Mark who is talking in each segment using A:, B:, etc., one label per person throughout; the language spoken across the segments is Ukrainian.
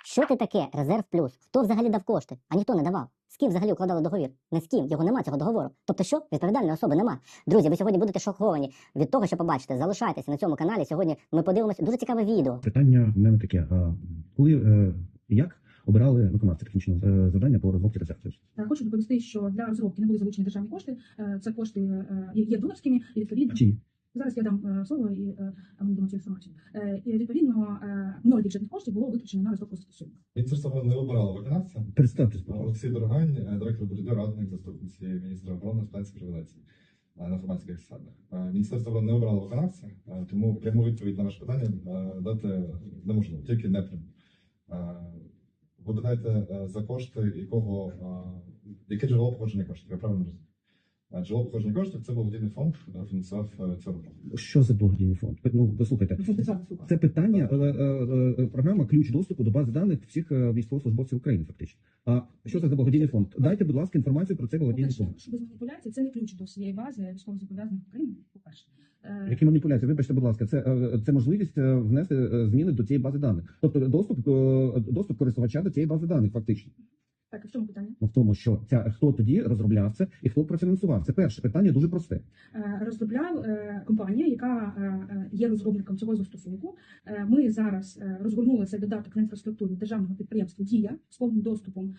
A: Що це таке резерв плюс? Хто взагалі дав кошти? А ніхто не давав. З ким взагалі укладали договір? Не з ким, його нема, цього договору. Тобто що? Відповідальної особи нема. Друзі, ви сьогодні будете шоковані від того, що побачите. Залишайтеся на цьому каналі. Сьогодні ми подивимося дуже цікаве відео.
B: Питання в мене таке. Як обирали виконавця технічного завдання по розробці резервів?
C: Хочу доповісти, що для розробки не були залучені державні кошти. Це кошти є донорськими і відповідно.
B: Чи?
C: Зараз я дам слово і ми дамо цю інформацію. І відповідно 0 бюджетних коштів було витрачено на розробку застосунку.
D: Міністерство не обирало виконавця.
B: Представтесь.
D: Олексій Дорогань, директор БДД, радник заступниці міністра оборони з питань цифровізації на інформаційних засадах. Міністерство не обрало виконавця, тому пряму відповідь на ваше питання дати неможливо, тільки непряму. Ви питаєте, за кошти якого, яке джерело походження коштів, я правильно розумію? Джерело походження коштів – це благодійний фонд, фінансував цю роботу.
B: Що за благодійний фонд? Ну, послухайте. Це питання, програма «Ключ доступу до бази даних всіх військовослужбовців України», фактично. А що це за благодійний фонд? Дайте, будь ласка, інформацію про цей благодійний фонд.
C: Щоб без маніпуляцій, це не ключ до всієї бази військовозобов'язаних України, по-перше.
B: Які маніпуляції? Вибачте, будь ласка, це можливість внести зміни до цієї бази даних. Тобто доступ користувача до цієї бази даних, фактично.
C: Так, а в чому питання?
B: В тому, що хто тоді розробляв це і хто профінансував. Це перше питання, дуже просте.
C: Розробляв компанія, яка є розробником цього застосунку. Ми зараз розгорнули цей додаток на інфраструктурі державного підприємства «Дія» з повним доступом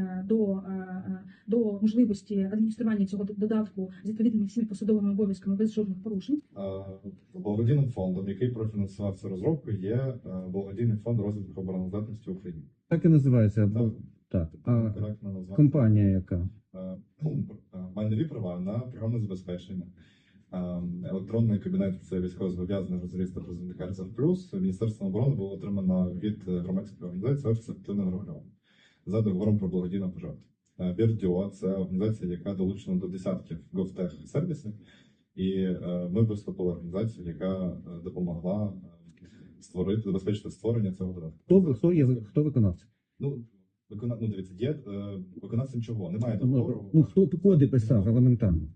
C: до можливості адміністрування цього додатку з відповідними всіми посадовими обов'язками без жодних порушень.
D: Благодійним фондом, який профінансував цю розробку, є благодійний фонд розвитку обороноздатності України.
B: Так і називається. Так. А компанія яка?
D: Має нові права на програмне забезпечення. Електронний кабінет – це військовозобов'язаний резервіста призовника «Резерв Плюс». Міністерством оборони було отримано від громадської організації «Офіс активного регулювання» за договором про благодійну пожертву. Бірдіо – це організація, яка долучена до десятків GovTech-сервісів. І ми виступили організацією, яка допомогла забезпечити створення цього додатку.
B: Хто виконавця?
D: Дивіться, є виконавцем чого? Немає договору.
B: Хто коди писав елементарно?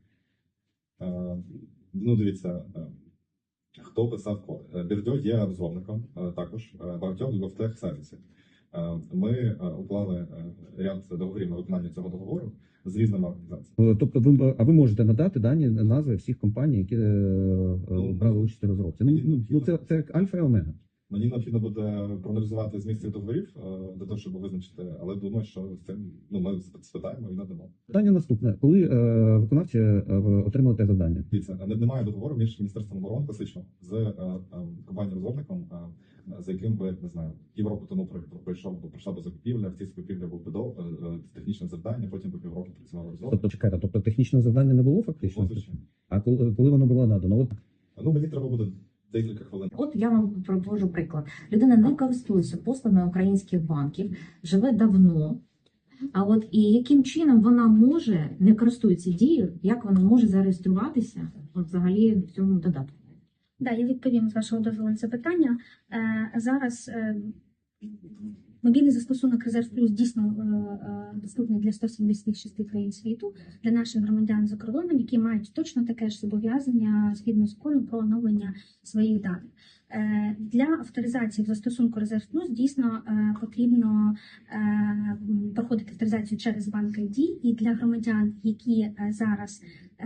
D: Дивіться, хто писав код. Бірдьо є розробником також багатьох GovTech сервісів. Ми уклали ряд договорів на виконання цього договору з різними організаціями.
B: Тобто ви можете надати дані назви всіх компаній, які брали участь у розробці? Це як альфа і омега.
D: Мені необхідно буде проаналізувати зміст цих договорів для того, щоб визначити, але думаю, що з цим ми спитаємо і надамо.
B: Питання наступне. Коли виконавці отримали те завдання?
D: Дивіться, немає договору між Міністерством оборони класично з компанією-розробником, за яким би, не знаю, півроку тому пройшла б закупівля, в цій закупівлі був технічне завдання, потім по півроку працювала розробка.
B: Тобто технічного завдання не було фактично? А коли воно було надано?
D: Мені треба буде декілька хвилин.
E: От я вам проводжу приклад. Людина не користується послугами українських банків, живе давно. А от і яким чином вона може, не користується дією, як вона може зареєструватися от взагалі в цьому додатку?
F: Да, я відповім з вашого дозволу на це питання. Зараз мобільний застосунок «Резерв Плюс» дійсно доступний для 176 країн світу, для наших громадян за кордоном, які мають точно таке ж зобов'язання згідно закону про оновлення своїх даних. Для авторизації в застосунку «Резерв Плюс» дійсно потрібно проходити авторизацію через банк ID, і для громадян, які зараз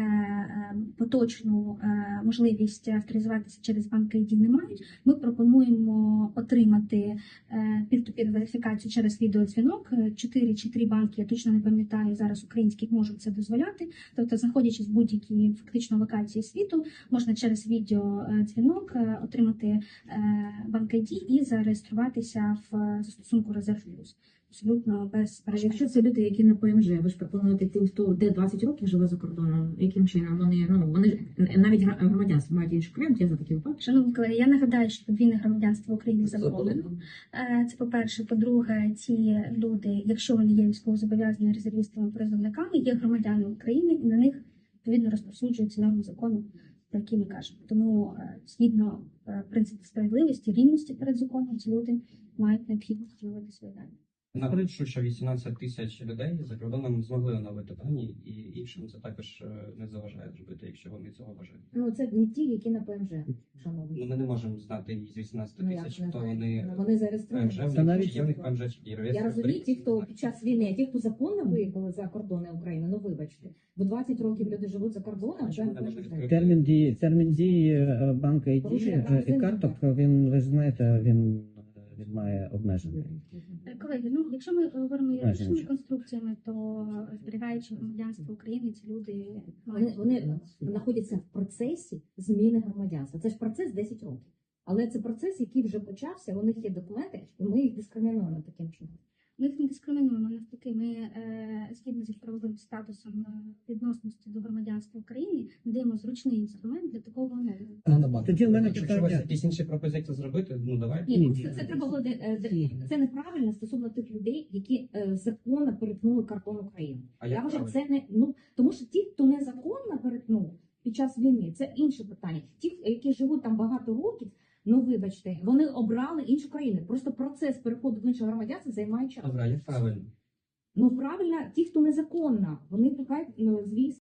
F: поточну можливість авторизуватися через банк ID не мають, ми пропонуємо отримати пір-ту-пір верифікацію через відеодзвінок. 4 чи 3 банки, я точно не пам'ятаю, зараз українських можуть це дозволяти. Тобто, знаходячись в будь-якій фактично локації світу, можна через відеодзвінок отримати банк ID і зареєструватися в застосунку «Резерв Плюс». Абсолютно без перешкод.
E: Якщо це люди, які не ПМЖ, ви ж пропонуєте тим, хто де 20 років живе за кордоном, яким чином вони ж навіть громадянство мають інший крем, я за такі випадки.
F: Шановні колеги, я нагадаю, що подвійне громадянство України заборонено. Це по-перше. По-друге, ці люди, якщо вони є військовозобов'язаними резервістами, призовниками, є громадянами України, і на них відповідно розповсюджуються норми закону, про які ми кажемо. Тому згідно принципу справедливості, рівності перед законом, ці люди мають необхідність встановити свої дані.
G: Наголошу, що 18 тисяч людей за кордоном змогли оновити дані, і іншим це також не заважає зробити, якщо вони цього бажають.
E: Ну це не ті, які на ПМЖ,
G: Ну,
E: шановні.
G: ми не можемо знати із 18
E: Ну, як
G: тисяч,
E: не
G: хто
E: знаю.
G: вони
E: Вони зареєстровані.
G: ПМЖ,
B: Це навіть-
G: чи є в них ПМЖ, чи ні.
E: Я розумію, ті, хто під час війни, а ті, хто законно виїхали за кордони України, ну вибачте, бо 20 років люди живуть за кордоном,
G: Чому
E: це
G: не можна відкрити?
B: Термін дії банка і
E: Порушення
B: дії
E: прав
B: і карток, він, ви ж знаєте, він має обмеження.
F: Колеги, ну якщо ми говоримо юридичними
B: Знаєш,
F: конструкціями, то зберігаючи громадянство України, ці люди
E: Вони знаходяться в процесі зміни громадянства. Це ж процес 10 років. Але це процес, який вже почався, у них є документи, і ми їх дискримінуємо таким чином.
F: Ми їх не дискримінуємо, навпаки, ми згідно з їх правовим статусом відносності до громадянства України надаємо зручний інструмент для такого оновлення.
B: Тоді в мене
G: Якщо у вас
B: питання.
G: якісь інші пропозиції зробити, ну давайте.
E: Ні, це треба було це неправильно стосовно тих людей, які законно перетнули кордон України.
G: А
E: Я
G: як
E: вважаю,
G: правильно?
E: це не тому, що ті, хто незаконно перетнув під час війни, це інше питання. Ті, які живуть там багато років, ну вибачте, вони обрали іншу країну. Просто процес переходу в інше громадянство займає час.
G: Добре, а як правильно?
E: Ну правильно, ті, хто незаконно, вони хай звісно.